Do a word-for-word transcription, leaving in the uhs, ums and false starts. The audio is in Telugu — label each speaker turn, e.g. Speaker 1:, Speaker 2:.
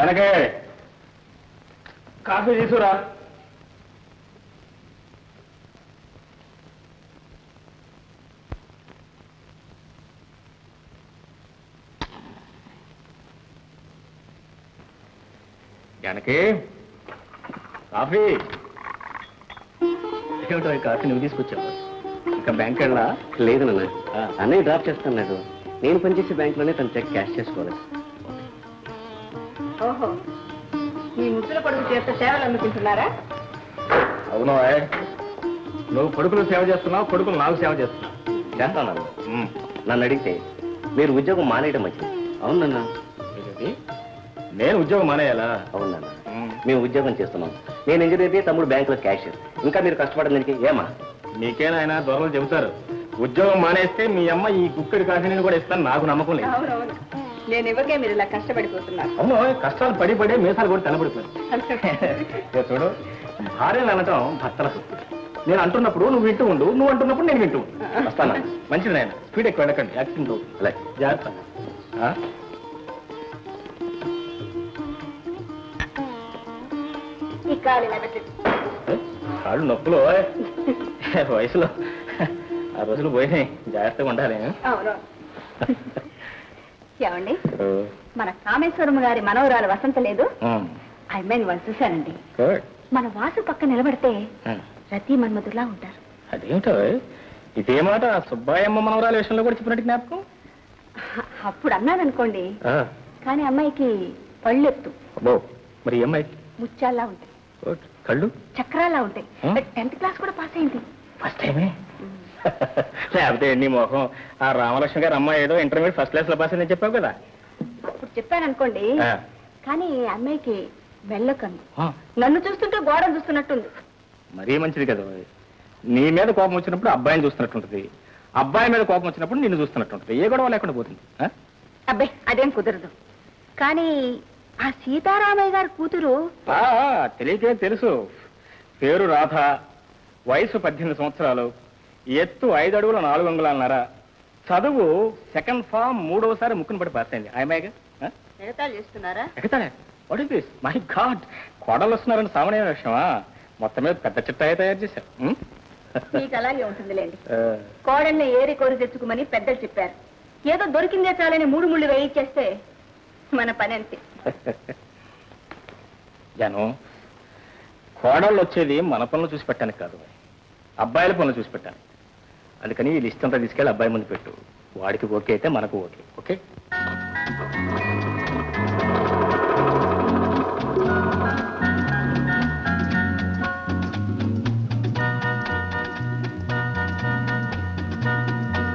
Speaker 1: జానకే కాఫీ తీసుకురా. జానకి కాఫీ. ఏమిటో ఈ కాఫీ నువ్వు తీసుకొచ్చావు? ఇంకా బ్యాంక్ వెళ్ళా?
Speaker 2: లేదు నాన్న, అన్నయ్య డ్రాప్ చేస్తాను. నేను పనిచేసే బ్యాంకులోనే తన చెక్ క్యాష్ చేసుకోవాలి.
Speaker 3: ఓహో, మీ ముద్దుల కొడుకు చేస్తే సేవలు అందుకుంటున్నారా?
Speaker 1: అవును, నువ్వు కొడుకులు సేవ చేస్తున్నావు, కొడుకులు నాకు సేవ చేస్తున్నావు.
Speaker 2: చేస్తాను. నన్ను అడిగితే మీరు ఉద్యోగం మానేయడం మంచిది. అవునన్నా.
Speaker 1: నేను ఉద్యోగం మానేయాలా?
Speaker 2: అవునన్నా, మేము ఉద్యోగం చేస్తున్నాం. నేను ఇంజనీర్, తమ్ముడు బ్యాంకులో క్యాషియర్. ఇంకా మీరు కష్టపడడానికి ఏమా?
Speaker 1: నీకేనాయనా దొరలు చెబుతారు. ఉద్యోగం మానేస్తే మీ అమ్మ ఈ కుక్కడి కాఫీని కూడా ఇస్తాను, నాకు నమ్మకం లేదు.
Speaker 3: అవునవును, నేను ఇవ్వకే మీరు ఇలా కష్టపడిపోతున్నారు.
Speaker 1: అవును, కష్టాలు పడి పడే మీసాలు కూడా తెల్లబడిపోయాను. చూడు, భార్యలు అనటం భర్తల సొత్తు. నేను అంటున్నప్పుడు నువ్వు వింటూ ఉండు, నువ్వు అంటున్నప్పుడు నేను వింటూ ఉండు. వస్తానా? మంచిది నాయన, స్పీడ్ ఎక్కువ వెళ్ళకండి, యాక్సిడెంట్ అవుతుంది. అలాగే జాగ్రత్త. కాళ్ళు నొప్పులు వయసులో ఆ రోజులు పోయినాయి, జాగ్రత్తగా ఉండాలి.
Speaker 3: ఏమండి, మన కామేశ్వరమ్మ గారి మనవరాలు వసంత లేదు, ఆ అమ్మాయిని వాళ్ళు చూశానండి. మన వాసు పక్క నిలబడితే రతి మన్మధులా ఉంటారు.
Speaker 1: అదేమిటో ఇదే మాట సుబ్బాయమ్మ మనవరాల విషయంలో కూడా చెప్పినట్టు జ్ఞాపకం.
Speaker 3: అప్పుడు అన్నాననుకోండి, కానీ అమ్మాయికి పళ్ళెత్తు.
Speaker 1: మరి అమ్మాయి
Speaker 3: ముత్యాల్లా ఉంటాయి,
Speaker 1: కళ్ళు
Speaker 3: చక్రాల్లా ఉంటాయి. టెన్త్ క్లాస్ కూడా పాస్ అయింది.
Speaker 1: ఫస్ట్ టైమే. లేకపోతే నీ మొహం ఆ రామలక్ష్మి గారు అమ్మాయి ఏదో ఇంటర్మీడియట్ ఫస్ట్ క్లాస్ లో పాస్ అయిందని చెప్పావు కదా.
Speaker 3: అప్పుడు చెప్పాను అనుకోండి, కానీ అమ్మాయికి వెళ్ళకండి. నన్ను చూస్తుంటే గోడను చూస్తున్నట్టుంది.
Speaker 1: మరీ మంచిది కదా. నీ మీద కోపం వచ్చినప్పుడు అబ్బాయిని చూస్తున్నట్టుంటది, అబ్బాయి మీద కోపం వచ్చినప్పుడు నిన్ను చూస్తున్నట్టుంటది. ఏ గొడవ లేకుండా పోతుంది.
Speaker 3: అబ్బాయి అదేం కుదరదు. కానీ ఆ సీతారామయ్య గారి కూతురు
Speaker 1: తెలియకే తెలుసు. పేరు రాధ, వయసు పద్దెనిమిది సంవత్సరాలు, ఎత్తు ఐదు అడుగుల నాలుగు అంగుళాలన్నర, చదువు సెకండ్ ఫామ్ మూడవసారి ముక్కును పడి పాస్ అయింది. ఆయమాయిగా
Speaker 3: ఎగతాళి చేస్తున్నారా?
Speaker 1: ఎగతాళే? What is this? My god, కోడలు వస్తున్నారని సామాన్య విషయమా? మొత్తం మీద పెద్ద చిట్టాయే తయారు చేశారు.
Speaker 3: మీకు అలాగే ఉంటుందిలేండి. కోడల్ని ఏరి కోరి తెచ్చుకోమని పెద్దలు చెప్పారు. ఏదో దొరికిందే చాలని మూడు ముళ్ళు వేయించేస్తే మన పని అంతే.
Speaker 1: జాను, కోడళ్ళు వచ్చేది మన పనులు చూసి పెట్టడానికి కాదు, అబ్బాయిల పనులు చూసి పెట్టాను. అందుకని ఈ లిస్ట్ అంతా తీసుకెళ్ళి అబ్బాయి ముందు పెట్టు. వాడికి ఓకే అయితే మనకు ఓకే.